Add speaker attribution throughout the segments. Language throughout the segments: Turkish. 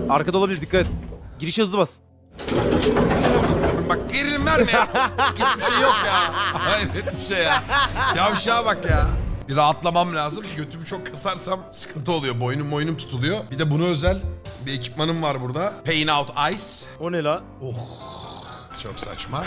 Speaker 1: Arkada olabilir, dikkat et. Girişe hızlı bas.
Speaker 2: Bak gerilim verme ya. Hiçbir şey yok ya. Hayret bir şey ya. Yavşağa bak ya. Bir rahatlamam lazım. Götümü çok kasarsam sıkıntı oluyor. Boynum tutuluyor. Bir de buna özel bir ekipmanım var burada. Pain Out Ice.
Speaker 1: O ne la?
Speaker 2: Oh. Çok saçma.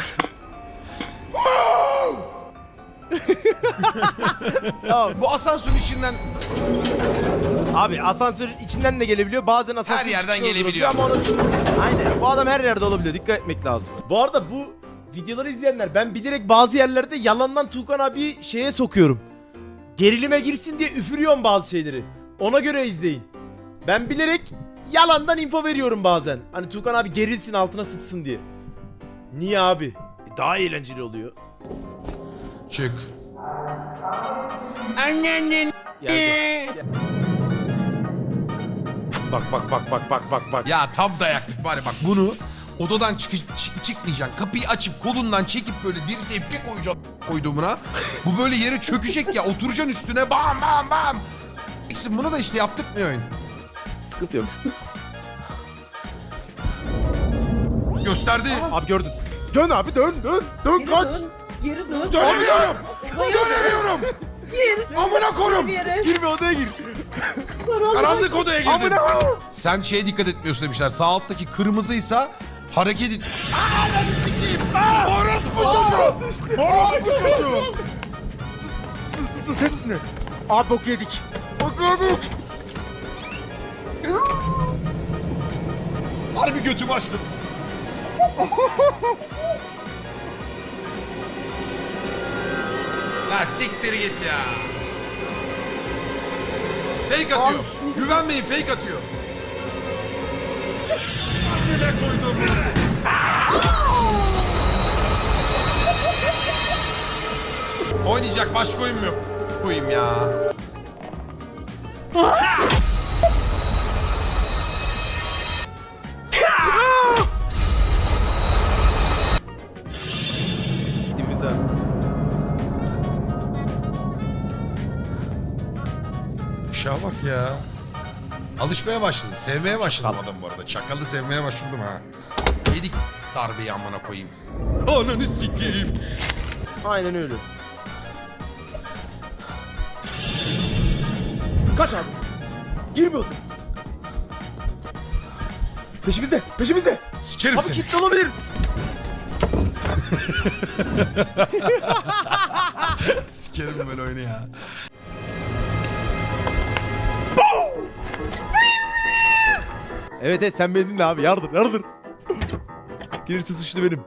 Speaker 1: Tamam.
Speaker 2: Bu asansörün içinden
Speaker 1: Abi asansörün içinden de gelebiliyor. Bazen asansör
Speaker 2: her yerden
Speaker 1: çıkışında
Speaker 2: gelebiliyor.
Speaker 1: Ama aynen. Bu adam her yerde olabiliyor. Dikkat etmek lazım. Bu arada bu videoları izleyenler, ben bilerek bazı yerlerde yalandan Tuğkan abi şeye sokuyorum. Gerilime girsin diye üfürüyorum bazı şeyleri. Ona göre izleyin. Ben bilerek yalandan info veriyorum bazen. Hani Tuğkan abi gerilsin, altına sıçsın diye. Niye abi? Daha eğlenceli oluyor.
Speaker 2: çık. Annenin.
Speaker 1: Gel. Bak.
Speaker 2: Ya tam dayaklık var ya, bak bunu odadan çıkmayacaksın. Kapıyı açıp kolundan çekip böyle dirseği bir koyacaksın koyduğumuna. Bu böyle yere çökecek ya, oturacaksın üstüne bam. Bunu da işte yaptırmıyor oyun.
Speaker 1: Sıkıntı yok.
Speaker 2: Gösterdi.
Speaker 1: Abi gördün. Dön abi, dön
Speaker 3: Geri
Speaker 1: kaç.
Speaker 3: dön. Geri dön.
Speaker 2: Dönemiyorum.
Speaker 3: Hayır.
Speaker 2: Dönemiyorum.
Speaker 3: Gir.
Speaker 2: Amına korum.
Speaker 3: Bir yere.
Speaker 1: Girme, odaya gir.
Speaker 2: Karanlık odaya girdim.
Speaker 1: Amına koyayım.
Speaker 2: Sen şeye dikkat etmiyorsun demişler. Sağ alttaki kırmızıysa hareket et. Ananı sikeyim. Orospu çocuğu. Orospu çocuğu.
Speaker 1: Sus, ses üstüne. Abi bok yedik.
Speaker 2: Harbi götümü açtım. La siktir git ya. Fake atıyor. Güvenmeyin, fake atıyor. Amına koydum burası. Oynayacak başka oyun mu yok? Koyayım ya.
Speaker 1: Gittiğimizde.
Speaker 2: Şuna bak ya. Alışmaya başladım. Sevmeye başladım adamı bu arada. Çakalı sevmeye başladım ha. Yedik darbeyi amına koyayım. Ananı sikeyim.
Speaker 1: Aynen öyle. Kaç abi. Girmiyordun. Peşimizde.
Speaker 2: Sikerim
Speaker 1: Abi
Speaker 2: seni.
Speaker 1: kilitli olabilir.
Speaker 2: Sikerim böyle oyunu ya.
Speaker 1: Evet sen beni dinle abi, yardır. Gelirse suçlu benim.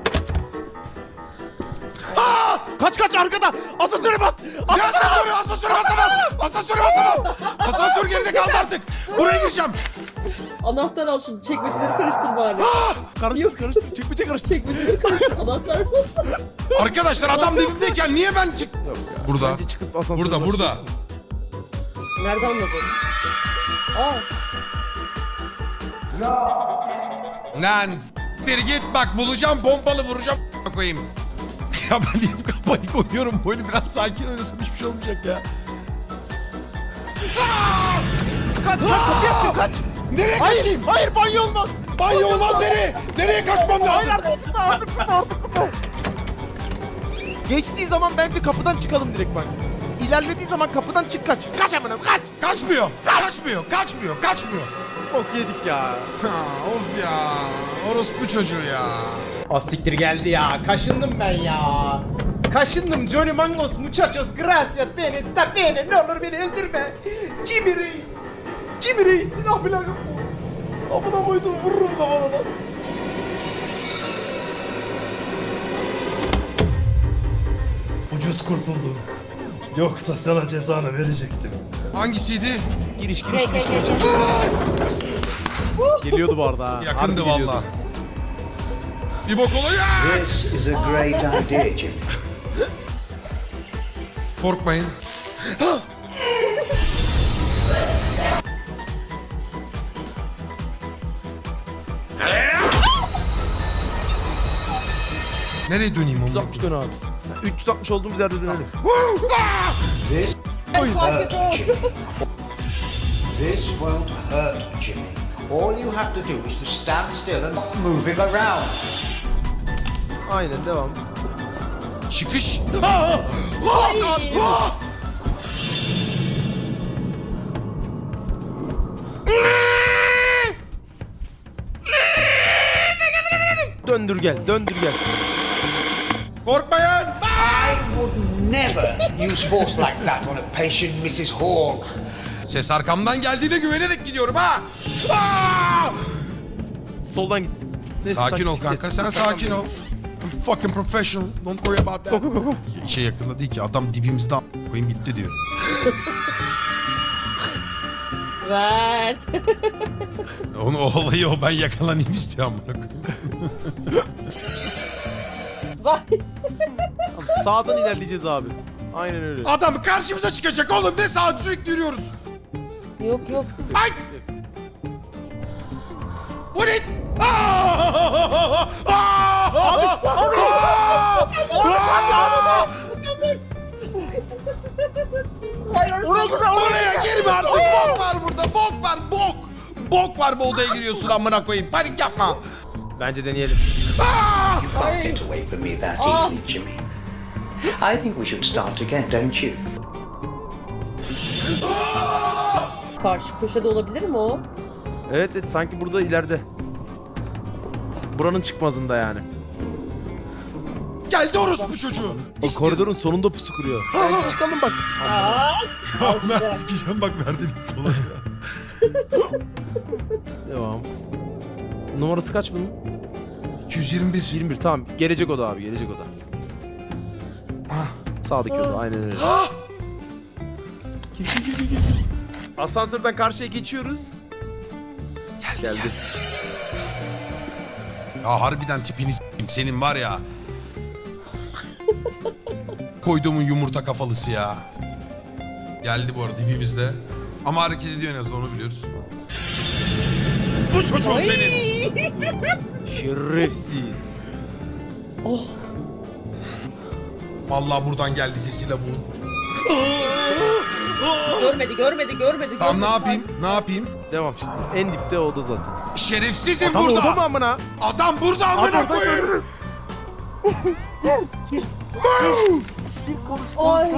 Speaker 1: Kaç arkada. Asansöre bas.
Speaker 2: Ya asansöre basamam. Asansör geride kaldı artık. Buraya gireceğim.
Speaker 3: Anahtar al şunu. Çekmeceleri karıştır bari.
Speaker 1: Karıştır. Çekmece karıştır.
Speaker 3: Çekmeceleri karıştır. Anahtar.
Speaker 2: Arkadaşlar adam dibimdeyken niye ben çık... Burada.
Speaker 1: Bence çıkıp asansöre
Speaker 2: Burada.
Speaker 3: Nerede anladın? Aa.
Speaker 2: Lan s**tir git bak, bulacağım pompalı vuracağım koyayım. Ya ben niye bu kadar panik oynuyorum? Bu oyunu biraz sakin oynasam hiçbir şey olmayacak ya.
Speaker 1: Kaç kapıyı açın, kaç.
Speaker 2: Nereye kaçayım?
Speaker 1: Hayır banyo olmaz.
Speaker 2: Banyo olmaz, nereye? Nereye kaçmam lazım?
Speaker 1: Artık çıkma. Geçtiği zaman bence kapıdan çıkalım direkt bak. İlerlediği zaman kapıdan çık kaç. Kaç amına kaç.
Speaker 2: Kaçmıyor.
Speaker 1: Bok yedik ya.
Speaker 2: Ha, of ya. Orospu çocuğu ya.
Speaker 1: Siktir geldi ya. Kaşındım ben ya. Kaşındım. Johnny Mangos, muchachos, gracias, beni, sta beni. Ne olur beni öldürme. Jimmy Reis silah bile yok mu? Amına koydum, vururum kafana lan.
Speaker 4: Ucuz kurtuldun. Yoksa sana cezanı verecektim.
Speaker 2: Hangisiydi?
Speaker 1: Giriş. Geliyordu bu arada ha.
Speaker 2: Yakındı
Speaker 1: Harbi geliyordu.
Speaker 2: valla. Bir bok oluyor.
Speaker 5: This is a great idea, Jimmy.
Speaker 2: Korkmayın. Nereye döneyim onu?
Speaker 1: 360 dön abi. 360 olduğumuz yerde dönelim.
Speaker 5: This
Speaker 3: Fark et o.
Speaker 5: This won't hurt, Jimmy. All you have to do is to stand still and not moving around.
Speaker 1: Aynen devam.
Speaker 2: Çıkış. Aa! Aa!
Speaker 1: Döndür gel, döndür gel.
Speaker 2: Korkmayın.
Speaker 5: I would never use force like that on a patient, Mrs. Hall.
Speaker 2: Ses arkamdan geldiğine güvenerek gidiyorum ha. Aa!
Speaker 1: Soldan git. Neyse,
Speaker 2: Sakin ol
Speaker 1: siktir.
Speaker 2: kanka, sen sakin ol. I'm fucking professional. Don't worry about that.
Speaker 1: Go, go, go.
Speaker 2: Şey yakında değil ki, adam dibimizde koyayım gitti diyor.
Speaker 3: Mert.
Speaker 2: Onu o olayı o ben yakalanayım istiyor amına koyayım.
Speaker 3: Vay.
Speaker 1: Abi, sağdan ilerleyeceğiz abi. Aynen öyle.
Speaker 2: Adam karşımıza çıkacak oğlum, ne saat sürekli yürüyoruz.
Speaker 3: Yok yok.
Speaker 2: Ay! Bu ne? Aa!
Speaker 3: Hayır
Speaker 2: Oraya girme artık, bok var burada, bok var, bok. Bok var, bu odaya giriyorsun amına koyayım, panik yapma.
Speaker 1: Bence deneyelim.
Speaker 2: Aa!
Speaker 5: You can't get away from me that easily, Jimmy. I think we should start again, don't you?
Speaker 3: Karşı köşede olabilir mi o?
Speaker 1: Evet, evet sanki burada ileride. Buranın çıkmazında yani.
Speaker 2: Geldi orospu çocuğu.
Speaker 1: O koridorun sonunda pusu kuruyor. Bence çıkalım bak.
Speaker 3: Aa.
Speaker 2: Ya ben sikeceğim bak verdiğin falan ya.
Speaker 1: Devam. Numarası kaç bunun?
Speaker 2: 221.
Speaker 1: 21 tamam. Gelecek oda abi, gelecek oda. Sağdaki oda aynen öyle.
Speaker 2: Ah!
Speaker 1: Gir. Asansörden karşıya geçiyoruz. Geldi.
Speaker 2: Ya harbiden tipini s**eyim senin var ya. Koyduğumun yumurta kafalısı ya. Geldi bu arada dibimizde. Ama hareket ediyor en azından, onu biliyoruz. Bu çocuğun senin.
Speaker 1: Şerefsiz.
Speaker 3: Oh.
Speaker 2: Vallahi buradan geldi sesi lavuğun.
Speaker 3: Görmedi.
Speaker 2: Tamam, ne yapayım? Ne yapayım?
Speaker 1: Devam şimdi. En dipte oda zaten.
Speaker 2: Şerefsizim
Speaker 1: Tam
Speaker 2: burada.
Speaker 1: oda mı amına?
Speaker 2: Adam burada amına
Speaker 1: Adam
Speaker 2: koyayım.
Speaker 3: Ay.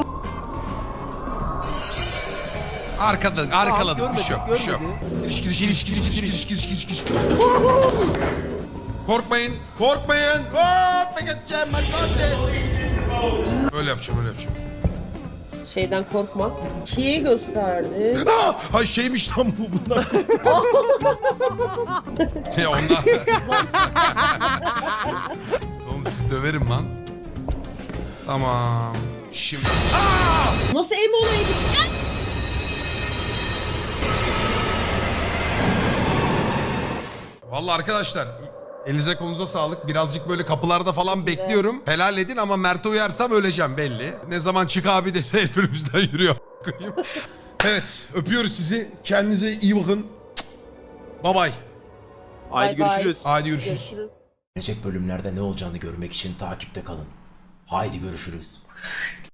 Speaker 2: Arkaladık, bir şey yok, bir şey yok. Giriş. Korkmayın. Hop, ben geçeceğim, hadi. Böyle yapacağım.
Speaker 3: Şeyden korkma. Ki'yi gösterdi.
Speaker 2: Hay şeymiş lan bu, bundan. Ya ondan. Oğlum sizi döverim lan. Tamam. Şimdi.
Speaker 3: Nasıl ev olaydı?
Speaker 2: Vallahi arkadaşlar elinize kolunuza sağlık. Birazcık böyle kapılarda falan bekliyorum. Helal edin ama Mert'e uyarsam öleceğim belli. Ne zaman çık abi dese el önümüzden yürüyor. Evet, öpüyoruz sizi. Kendinize iyi bakın. Bye bye.
Speaker 1: Haydi
Speaker 3: Bye bye.
Speaker 1: görüşürüz.
Speaker 2: Haydi görüşürüz.
Speaker 3: Görüşürüz.
Speaker 6: Gelecek bölümlerde ne olacağını görmek için takipte kalın. Haydi görüşürüz.